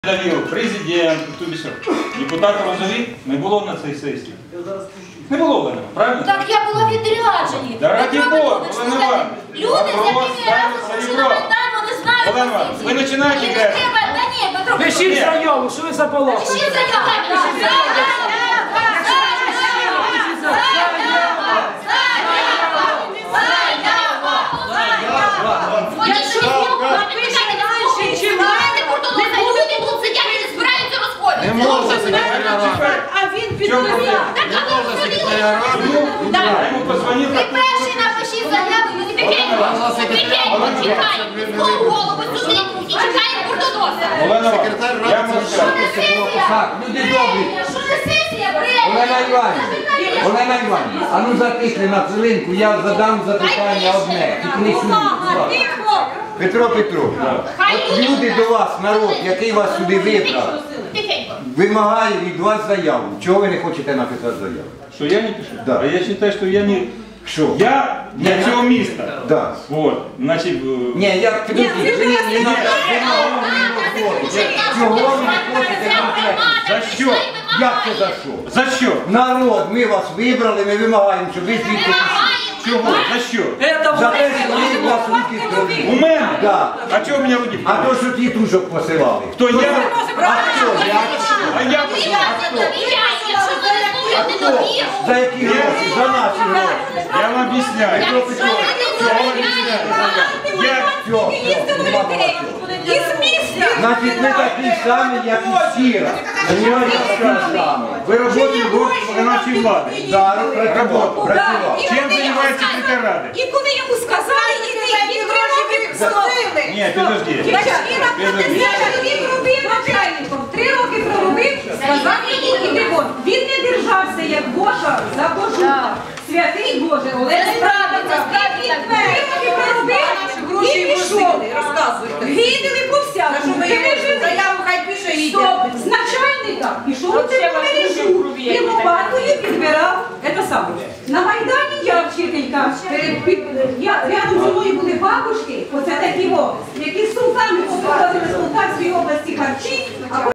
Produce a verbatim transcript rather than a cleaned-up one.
Довів президент, тобі що, депутат Розові не було на цій сесії. Не було Олена, правильно? Так я була в відрядженні. Да раді Бога, Олена Івановна. Люди, з якими я разом прийшли на Майдан, вони знають Олена Івановна, ви починаєте грати. Та ні, Петро Петрович. Пишіть заяву, що ви заполохали. Пишіть заяву. Не можна секретаря ради. А він підповів. Не можна секретаря ради. Я йому позвонив. Ви перший напишіть заяву, він тихенько, тихенько, чекаємо, під голову сюди і чекаємо курдоноса. Олена Секретар Івановна, я ради можу це сказати. Так, люди добрі. Що за сесія, бред? Олена Іванівна, Олена Іванівна, а ну затихли на хвилинку, я задам запитання одне. Тільки не смійтесь. Петро Петрович, от люди до вас, народ, який вас сюди вибрав, Тихенько. вимагає від вас заяву. Чого ви не хочете написати заяву? Що я не пишу? Да. А я вважаю, що я не... Що? Я для цього міста. Да. Вот, значить... е, Ні, як підождіть, ви не треба вимогу не виходите. Чого ви не хочете конкретно? За що? Як це за що? За що? Народ, ми вас вибрали, ми вимагаємо, щоб ви звідти пішли. Чого? За що? За те, що ви вас руки зробили. У мене? Да. А чого у мене руки? А то, що тітушок посилали. Хто я? А хто? Я? А я посилаю. А хто? За які гроші? За наші гроші. Я вам об'ясняю. Петро Петрович, Я вам об'ясняю. Я... все, все, нема багато. Значить, ми такі самі, як і Сіра. Понимаєте, такі самі. Ви працюєте в виконавчій владі. Да, працював, працював. Чим займається секретар ради? І коли йому сказали, і він три роки відслужили. Ні, підожди. Підожди. Він робив начальником, три роки проробив, сказав йому, іди вон. Він не держався, як Божа, за Божука. Святий Боже, Олег справиться, він три роки проробив і пішов. Гидили по всякому. Заяву хай пише і Стоп, з начальника пішов у цю мережу і лопатою підбирав, це саме. На Майдані я вчителька, перед- під- я, рядом зі мною були бабушки, оце такі, о, які з султанами повивозили з Полтавської області харчі, а